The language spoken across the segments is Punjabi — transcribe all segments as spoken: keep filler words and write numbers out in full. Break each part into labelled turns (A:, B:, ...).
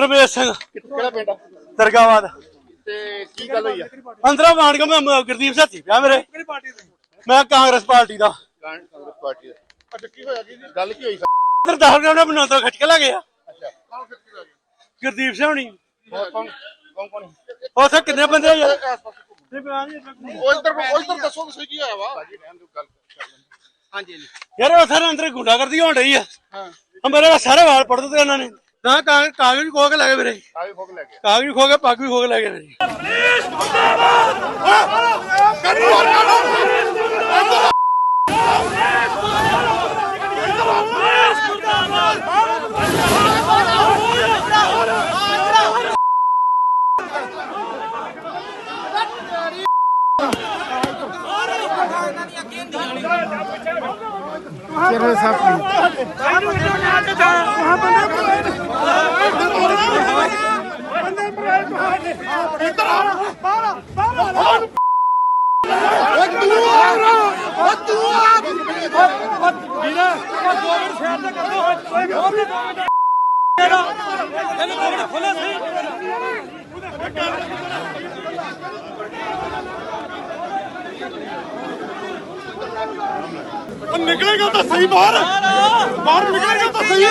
A: ਰਮੇਸ਼ ਸਿੰਘ
B: ਕਿਹੜਾ ਪਿੰਡ
A: ਦਰਗਾਹਵਾਦ
B: ਤੇ ਕੀ ਗੱਲ ਹੋਈ ਆ?
A: ਅੰਦਰੋਂ ਮਾਣ ਕੇ ਮੈਂ ਗੁਰਦੀਪ ਸਾਥੀ ਪਿਆ ਮੇਰੇ ਮੈਂ ਕਾਂਗਰਸ ਪਾਰਟੀ ਦਾ
B: ਕਾਂਗਰਸ ਪਾਰਟੀ ਦਾ। ਅੱਛਾ ਕੀ ਹੋਇਆ ਕੀ ਗੱਲ ਕੀ ਹੋਈ?
A: ਅੰਦਰ ਦਸ ਗਾਉਣਾ ਬਣਾਉਣ ਤੋਂ ਖਿੱਚ ਕੇ ਲੈ ਗਿਆ
B: ਅੱਛਾ ਕੌਣ ਖਿੱਚ ਕੇ ਲੈ ਗਿਆ?
A: ਗੁਰਦੀਪ ਸਿੰਘ
B: ਹੋਰ ਕੌਣ ਕੌਣ ਕੌਣ?
A: ਉੱਥੇ ਕਿੰਨੇ ਬੰਦੇ ਆ ਯਾਰ
B: ਉਹ ਇੱਧਰ ਉਹ ਇੱਧਰ ਦੱਸੋ ਤੁਸੀਂ ਕੀ ਹੋਇਆ ਵਾ? ਭਾਜੀ ਰਹਿਣ ਦਿਓ ਗੱਲ ਕਰ ਲੈਂਦੇ। ਹਾਂਜੀ ਹਾਂਜੀ
A: ਯਾਰ ਉੱਥੇ ਅੰਦਰ ਗੁੰਡਾਗਰਦੀ ਹੋਣ ਰਹੀ ਆ।
B: ਹਾਂ
A: ਮੇਰੇ ਸਾਰੇ ਵਾਲ ਪੜ ਦਿੱਤੇ ਉਹਨਾਂ ਨੇ ਨਾ ਕਾਗਜ਼ ਵੀ ਖੋ ਕੇ ਲੈ ਗਏ ਮੇਰੇ
B: ਆਗੇ ਫੋਕ ਲੈ ਗਿਆ
A: ਕਾਗਜ਼ ਵੀ ਖੋ ਕੇ ਪੱਗ ਵੀ ਖੋ ਕੇ ਲੈ ਗਏ ਮੇਰੀ
B: ਕਿਹੜੇ ਸਾਥੀ निकलेगा तो सही बाहर बाहर निकलेगा तो सही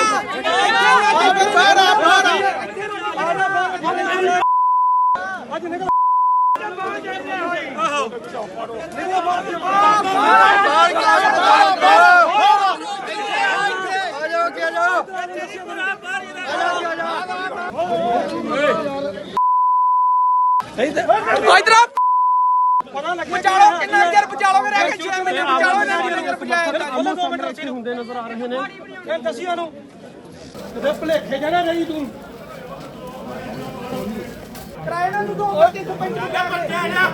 C: ਬਚਾਲੋ ਕਿੰਨਾ ਚਿਰ ਬਚਾਲੋਗੇ ਰਹਿ ਕੇ ਛੇ ਮਹੀਨੇ ਬਚਾਲੋ ਨਾ ਚਿਰ ਬਚਾਇਆ ਦੋ ਮਿੰਟ ਉੱਥੇ ਹੁੰਦੇ ਨਜ਼ਰ ਆ ਰਹੇ ਨੇ ਇਹ ਦੱਸਿਆ ਨੂੰ ਤੇ ਭਲੇਖੇ ਜਣਾ ਰਹੀ ਤੂੰ ਕਿਰਾਏ ਨੂੰ ਦੋ ਤਿੰਨ ਸੌ ਪੈਂਤੀ ਕਰ ਬੱਚਾ ਜਾ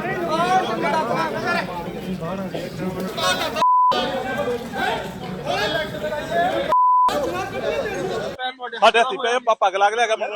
A: ਸਾਡੇ ਹੱਥੀ ਪਏ ਪੱਗ ਲੱਗ ਲਿਆ ਮੈਨੂੰ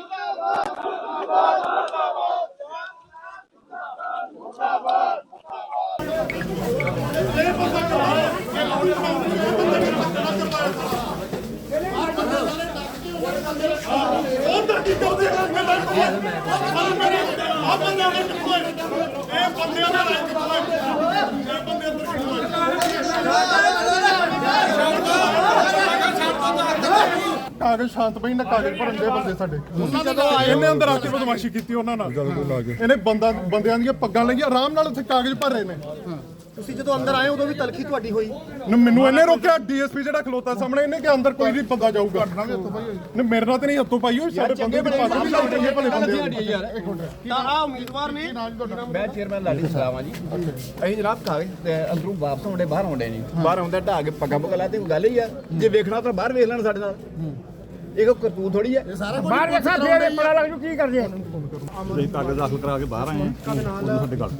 D: ਕਾਗਜ਼ ਸ਼ਾਂਤ ਪਈ ਨਾ ਕਾਗਜ਼ ਭਰਨ ਦੇ ਬੰਦੇ ਸਾਡੇ ਇਹਨੇ ਅੰਦਰ ਆ ਕੇ ਬਦਮਾਸ਼ੀ ਕੀਤੀ ਉਹਨਾਂ ਨਾਲ ਇਹਨੇ ਬੰਦਾ ਬੰਦਿਆਂ ਦੀਆਂ ਪੱਗਾਂ ਲਈਆਂ ਆਰਾਮ ਨਾਲ ਉੱਥੇ ਕਾਗਜ਼ ਭਰ ਰਹੇ ਨੇ।
B: ਤੁਸੀਂ ਜਦੋਂ ਅੰਦਰ ਆਏ ਉਦੋਂ ਵੀ ਤਲਖੀ ਤੁਹਾਡੀ ਹੋਈ?
D: ਮੈਨੂੰ ਇਹਨੇ ਰੋਕਿਆ ਡੀਐਸਪੀ ਜਿਹੜਾ ਖਲੋਤਾ ਸਾਹਮਣੇ ਇਹਨੇ ਕਿ ਅੰਦਰ ਕੋਈ ਨਹੀਂ ਬੰਦਾ ਜਾਊਗਾ ਨਹੀਂ ਮੇਰੇ ਨਾਲ ਤੇ ਨਹੀਂ ਹੱਥੋਂ ਪਾਈ ਹੋਈ ਸਾਡੇ ਬੰਦੇ ਦੀ ਪੱਗ ਵੀ ਲਾਈ ਗਈ ਭਲੇ ਬੰਦੇ ਯਾਰ ਇੱਕ ਮਿੰਟ
B: ਤਾਂ ਆ ਉਮੀਦਵਾਰ ਨੇ
E: ਮੈਂ ਚੇਅਰਮੈਨ ਲਾਡੀ ਸਲਾਮਾ ਜੀ ਅਸੀਂ ਜਨਾਬ ਕਾਗਜ਼ ਤੇ ਅੰਦਰੋਂ ਵਾਪਸ ਆਉਂਦੇ ਬਾਹਰ ਆਉਂਦੇ ਨਹੀਂ ਬਾਹਰ ਆਉਂਦਾ ਢਾ ਕੇ ਪੱਗਾਂ ਪੁੱਗਾਂ ਲਾ ਤੇ ਕੋਈ ਗੱਲ ਹੀ ਆ ਜੇ ਵੇਖਣਾ ਤਾਂ ਬਾਹਰ ਵੇਖ ਲੈਣ ਸਾਡੇ ਨਾਲ ਇਹ ਕੋਈ ਕਰਤੂਤ ਥੋੜੀ ਹੈ
C: ਬਾਹਰ ਵੇਖਾ ਫੇਰ ਪਤਾ ਲੱਗ ਜੂ ਕੀ ਕਰਦੇ
D: ਅਸੀਂ ਕਾਗਜ਼ ਦਾਖਲ ਕਰਾ ਕੇ ਬਾਹਰ ਆਏ ਹਾਂ ਉਦੋਂ ਸਾਡੇ ਗੱਲ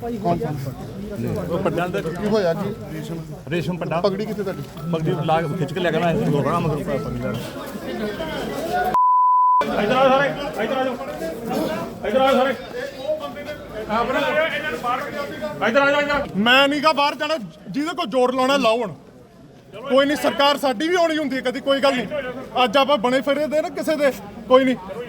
D: ਉਹ ਪੱਡਾਂ ਦੇ ਕੀ ਹੋਇਆ ਜੀ ਰੇਸ਼ਮ ਰੇਸ਼ਮ ਪੱਡਾ ਪਗੜੀ ਕਿੱਥੇ ਤੁਹਾਡੀ ਪਗੜੀ ਲਾ ਕੇ ਖਿੱਚ ਕੇ ਲੈ ਕੇ ਮੈਂ ਲੋਕਾਂ ਨਾਲ ਮਗਰ ਪਗੜੀ ਲੈਣ
A: ਇਧਰ ਆ ਸਾਰੇ ਇਧਰ ਆ ਜਾਓ ਇਧਰ ਆ ਸਾਰੇ ਇਧਰ ਆ ਜਾ
D: ਮੈਂ ਨਹੀਂ ਗਾ ਬਾਹਰ ਜਾਣਾ ਜਿਹਦੇ ਕੋਲ ਜ਼ੋਰ ਲਾਉਣਾ ਲਾਉਣ ਕੋਈ ਨਹੀਂ ਸਰਕਾਰ ਸਾਡੀ ਵੀ ਆਉਣੀ ਹੁੰਦੀ ਹੈ ਕਦੀ ਕੋਈ ਗੱਲ ਨਹੀਂ ਅੱਜ ਆਪਾਂ ਬਣੇ ਫਿਰੇ ਦੇ ਨਾ ਕਿਸੇ ਦੇ ਕੋਈ ਨਹੀਂ